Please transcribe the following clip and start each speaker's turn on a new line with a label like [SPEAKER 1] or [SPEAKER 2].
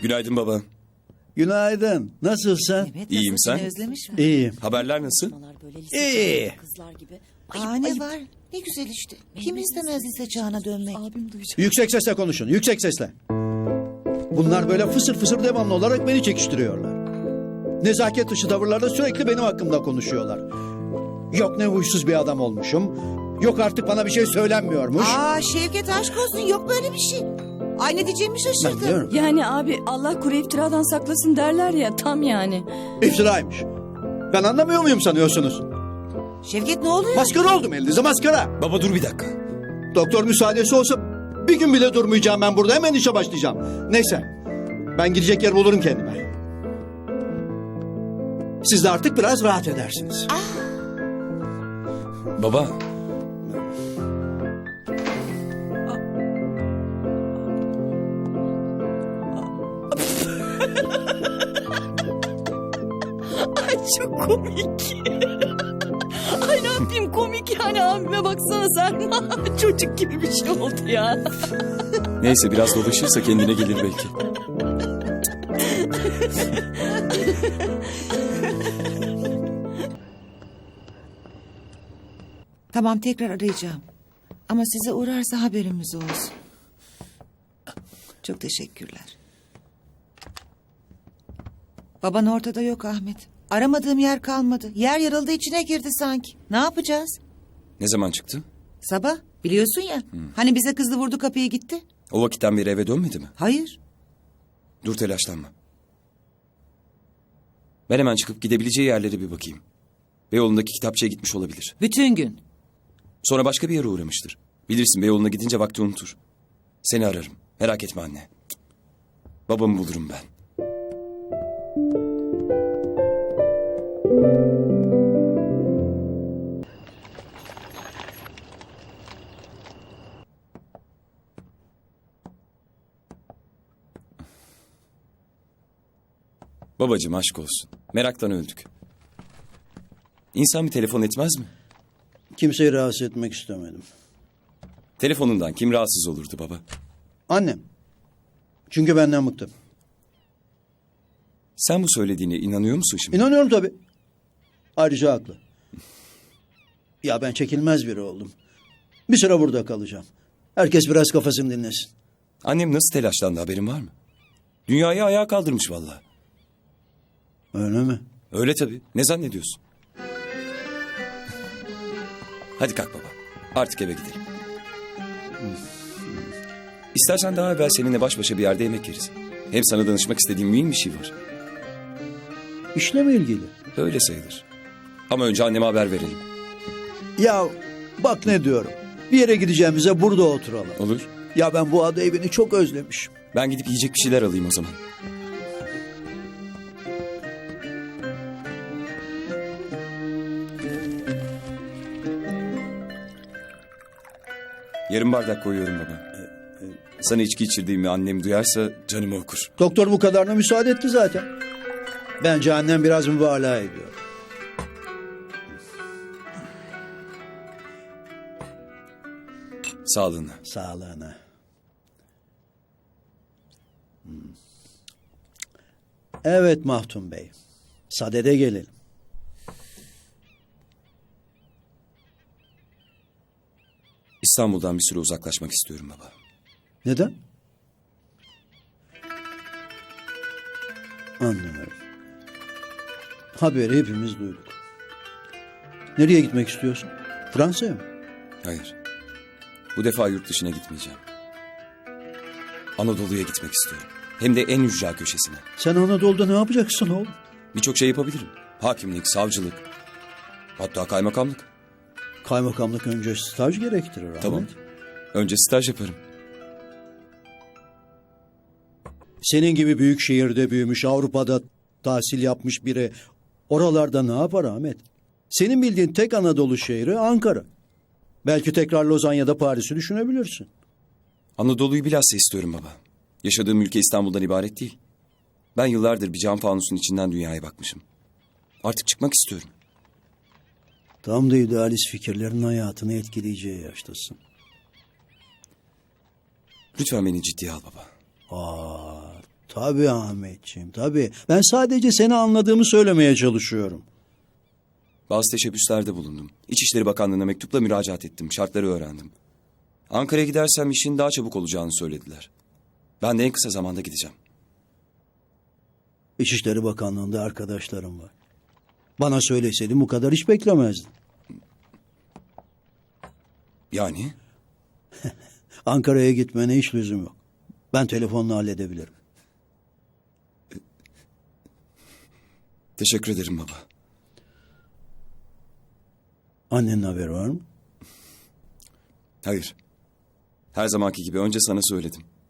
[SPEAKER 1] Günaydın baba.
[SPEAKER 2] Günaydın. Nasılsın?
[SPEAKER 3] Evet,
[SPEAKER 1] İyiyim,
[SPEAKER 3] nasıl,
[SPEAKER 1] sen?
[SPEAKER 3] seni özlemiş mi?
[SPEAKER 2] İyiyim.
[SPEAKER 1] Haberler nasıl?
[SPEAKER 3] Böyle lise
[SPEAKER 2] İyi.
[SPEAKER 3] çağında kızlar gibi. Ne var? Ne güzel işte. Kim istemez lise çağına dönmek? Abim duyacak.
[SPEAKER 2] Yüksek sesle konuşun. Yüksek sesle. Bunlar böyle fısır fısır devamlı olarak beni çekiştiriyorlar. Nezaket dışı tavırlarla sürekli benim hakkımda konuşuyorlar. Yok ne huysuz bir adam olmuşum. Yok artık bana bir şey söylenmiyormuş.
[SPEAKER 3] Şevket aşk olsun, yok böyle bir şey. Ay ne diyeceğimi
[SPEAKER 2] Ben
[SPEAKER 3] şaşırdım.
[SPEAKER 2] diyorum.
[SPEAKER 4] Yani abi Allah kuru iftiradan saklasın derler ya, tam yani.
[SPEAKER 2] İftiraymış. Ben anlamıyor muyum sanıyorsunuz?
[SPEAKER 3] Şevket ne oluyor?
[SPEAKER 2] Maskara oldum elinizde, maskara.
[SPEAKER 1] Baba dur bir dakika.
[SPEAKER 2] Doktor müsaadesi olsa bir gün bile durmayacağım ben burada. Hemen işe başlayacağım. Neyse. Ben gidecek yer bulurum kendime. Siz de artık biraz rahat edersiniz.
[SPEAKER 1] Baba.
[SPEAKER 4] Ay çok komik. Ay ne yapayım, komik yani, abime baksana sen. Çocuk gibi bir şey oldu ya.
[SPEAKER 1] Neyse biraz dolaşırsa kendine gelir belki.
[SPEAKER 3] Tamam, tekrar arayacağım. Ama size uğrarsa haberimiz olsun. Çok teşekkürler. Baban ortada yok Ahmet. Aramadığım yer kalmadı. Yer yarıldı, içine girdi sanki. Ne yapacağız?
[SPEAKER 1] Ne zaman çıktı?
[SPEAKER 3] Sabah biliyorsun ya. Hani bize kızdı, vurdu kapıyı gitti.
[SPEAKER 1] O vakitten beri eve dönmedi mi?
[SPEAKER 3] Hayır.
[SPEAKER 1] Dur telaşlanma. Ben hemen çıkıp gidebileceği yerlere bir bakayım. Beyoğlu'ndaki kitapçıya gitmiş olabilir.
[SPEAKER 3] Bütün gün.
[SPEAKER 1] Sonra başka bir yere uğramıştır. Bilirsin Beyoğlu'na gidince vakti unutur. Seni ararım. Merak etme anne. Babamı bulurum ben. Babacığım aşk olsun. Meraktan öldük. İnsan bir telefon etmez mi?
[SPEAKER 2] Kimseyi rahatsız etmek istemedim.
[SPEAKER 1] Telefonundan kim rahatsız olurdu baba?
[SPEAKER 2] Annem. Çünkü benden bıktı.
[SPEAKER 1] Sen bu söylediğine inanıyor musun şimdi?
[SPEAKER 2] İnanıyorum tabii. Ayrıca haklı. Ya ben çekilmez biri oldum. Bir süre burada kalacağım. Herkes biraz kafasını dinlesin.
[SPEAKER 1] Annem nasıl telaşlandı, haberin var mı? Dünyayı ayağa kaldırmış vallahi.
[SPEAKER 2] Öyle mi?
[SPEAKER 1] Öyle tabii. Ne zannediyorsun? Hadi kalk baba. Artık eve gidelim. İstersen daha evvel seninle baş başa bir yerde yemek yeriz. Hem sana danışmak istediğim mühim bir şey var.
[SPEAKER 2] İşle mi ilgili?
[SPEAKER 1] Öyle sayılır. Ama önce anneme haber verelim.
[SPEAKER 2] Ya bak ne diyorum. Bir yere gideceğimize burada oturalım.
[SPEAKER 1] Olur.
[SPEAKER 2] Ya ben bu ada evini çok özlemişim.
[SPEAKER 1] Ben gidip yiyecek bir şeyler alayım o zaman. Yarım bardak koyuyorum baba. Sana içki içirdiğimi annem duyarsa canımı okur.
[SPEAKER 2] Doktor bu kadarına müsaade etti zaten. Bence annem biraz mübalağa ediyor.
[SPEAKER 1] Sağlığına.
[SPEAKER 2] Sağlığına. Evet Mahdum Bey. Sadede gelelim.
[SPEAKER 1] İstanbul'dan bir süre uzaklaşmak istiyorum baba.
[SPEAKER 2] Neden? Anlıyorum. Haberi hepimiz duyduk. Nereye gitmek istiyorsun? Fransa'ya mı?
[SPEAKER 1] Hayır. Bu defa yurt dışına gitmeyeceğim. Anadolu'ya gitmek istiyorum. Hem de en ücra köşesine.
[SPEAKER 2] Sen Anadolu'da ne yapacaksın oğlum?
[SPEAKER 1] Birçok şey yapabilirim. Hakimlik, savcılık. Hatta kaymakamlık.
[SPEAKER 2] Kaymakamlık önce staj gerektirir Ahmet.
[SPEAKER 1] Tamam. Önce staj yaparım.
[SPEAKER 2] Senin gibi büyük şehirde büyümüş, Avrupa'da tahsil yapmış biri oralarda ne yapar Ahmet? Senin bildiğin tek Anadolu şehri Ankara. Belki tekrar Lozan ya da Paris'i düşünebilirsin.
[SPEAKER 1] Anadolu'yu bilhassa istiyorum baba. Yaşadığım ülke İstanbul'dan ibaret değil. Ben yıllardır bir cam fanusun içinden dünyaya bakmışım. Artık çıkmak istiyorum.
[SPEAKER 2] Tam da idealist fikirlerin hayatını etkileyeceği yaştasın.
[SPEAKER 1] Lütfen beni ciddiye al baba.
[SPEAKER 2] Tabii Ahmetciğim, tabii. Ben sadece seni anladığımı söylemeye çalışıyorum.
[SPEAKER 1] Bazı teşebbüslerde bulundum. İçişleri Bakanlığı'na mektupla müracaat ettim. Şartları öğrendim. Ankara'ya gidersem işin daha çabuk olacağını söylediler. Ben de en kısa zamanda gideceğim.
[SPEAKER 2] İçişleri Bakanlığı'nda arkadaşlarım var. Bana söyleseydin bu kadar hiç beklemezdin.
[SPEAKER 1] Yani?
[SPEAKER 2] Ankara'ya gitmene hiç lüzum yok. Ben telefonla halledebilirim.
[SPEAKER 1] Teşekkür ederim baba.
[SPEAKER 2] Annenin haberi var mı?
[SPEAKER 1] Hayır. Her zamanki gibi önce sana söyledim.